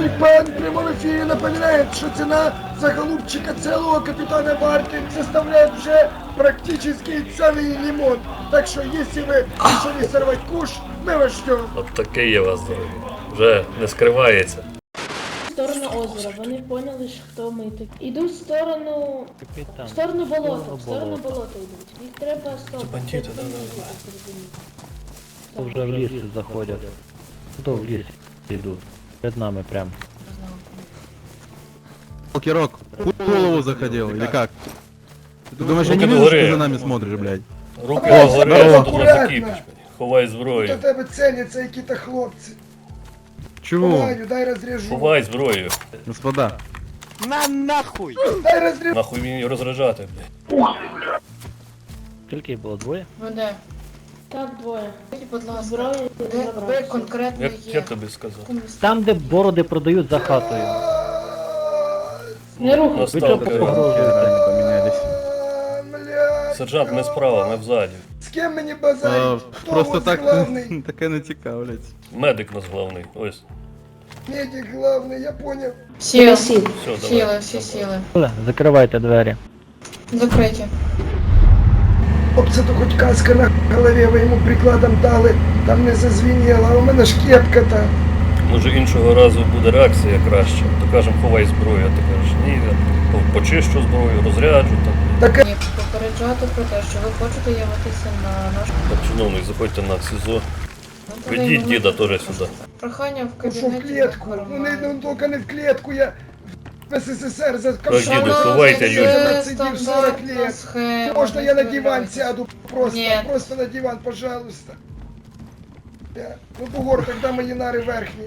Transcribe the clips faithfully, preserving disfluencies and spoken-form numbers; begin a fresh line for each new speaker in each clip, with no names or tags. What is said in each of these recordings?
Пан в прямом эфире напоминает, что цена за голубчика целого капитана Варты составляет уже практически целый лимон. Так что если вы решили сорвать куш, мы вас ждем.
От такий я вас дорогі. Вже не скривається.
В сторону озера. Вони поняли, що хто ми такі. Ідуть в сторону.
Капітан.
В сторону болота.
Сторону
В сторону
болота.
болота йдуть. Їх треба стоп.
Це бандити, да, да,
То вже в ліс заходять. То в ліс йдуть. Перед нами прям.
Кирок, в голову заходил, или как? Ты думаешь, я
Руки
не вижу,
догори.
что за нами смотришь, блядь?
Руки
Давай,
догори,
давай,
а то
акуратно.
закипиш. Ховай
До
зброю.
тебе ціняться які-то хлопці.
Чего?
Ваню, дай розряжу.
Ховай зброю.
Господа,
Дай розряжу.
Нахуй мені розряджати, блядь.
Скільки їх було? Двоє?
Веде.
Так, двоє.
Скажіть, будь ласка,
Зброю
де ви
забрати.
конкретно
Як
є?
я тобі сказав?
Там, де бороди продають за хатою.
Не рухай.
Ви
Настав
чого
керівник.
погрожуєте?
они поменялись.
А, блядь.
Сержант, ми справа, ми взаді.
З ким мені
А,
базарить? Хто
просто
ось
так,
главний?
такая натека, блядь.
Медик нас головний. Ось.
Медик главный, я понял.
Сіли,
Сіл.
Все, давай.
сіли, всі сіли.
Оле, закривайте двері.
Закриті.
Хлопці, то хоч каска на голові, ви йому прикладом дали, там не зазвеніло, а у мене ж кепка-то.
Може іншого разу буде реакція краще. То кажемо, ховай зброю, а ти кажеш, ні, я по- почищу зброю, розряджу там.
Так
Ні, попереджати про те, що ви хочете явитися на наш...
Так, чиновник, заходьте на СІЗО.
Ну, тоді
Ведіть
ми-
діда теж сюди.
Прохання в
ну що в
кабінеті.
клетку? Ну не ну, тільки не в клетку, я в СССР за
Так, діду,
ковшаном
ховайте
сидів,
людям.
отсидів сорок лет. Можно я на диван сяду? Просто,
Нет.
просто на диван, пожалуйста. Да. Ну, бугор, тогда мої нари верхні.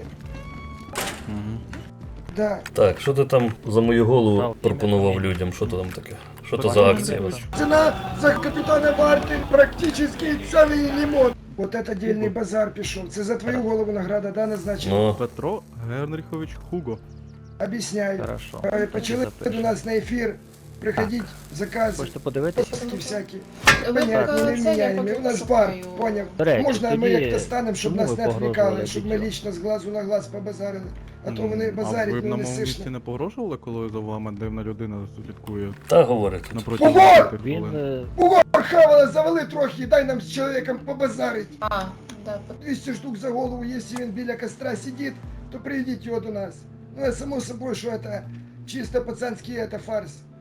Да.
Так, що ти там за мою голову пропонував людям? Що то там таке? Що то за акція?
Цена за капітана Варти практически целый лимон. Вот это дельный базар пішов. Це за твою голову награда, да, назначена?
Ну,
Петро Генрихович Хуго.
Объясняю.
Хорошо.
Е, Почали до нас на ефір приходить закази.
Хочете подивитися?
Такі всякі.
Ви
Понятно,
поки
не
це, я
міняємо.
поки
У нас бар,
пошукаю.
поняв.
До речі,
Можна ми
тоді
як-то станемо, щоб
чому
нас
ви
не відвлікали,
погрожували
щоб ми
дітям?
лічно з глазу на глаз побазарили. А то вони
А ви
базарять,
б
ну
на
не
моєму місці
сишно.
не погрожували, коли за вами дивна людина слідкує
та говорите.
напроти
Ого!
десяти
Він
хвилин?
е,
Бугор хавала, завали трохи, дай нам з чоловіком побазарить.
А, да, по-
двісті штук за голову, якщо він біля костра сидить, то приведіть його до нас. Ну, а само собою, що це чисто пацанський это фарс.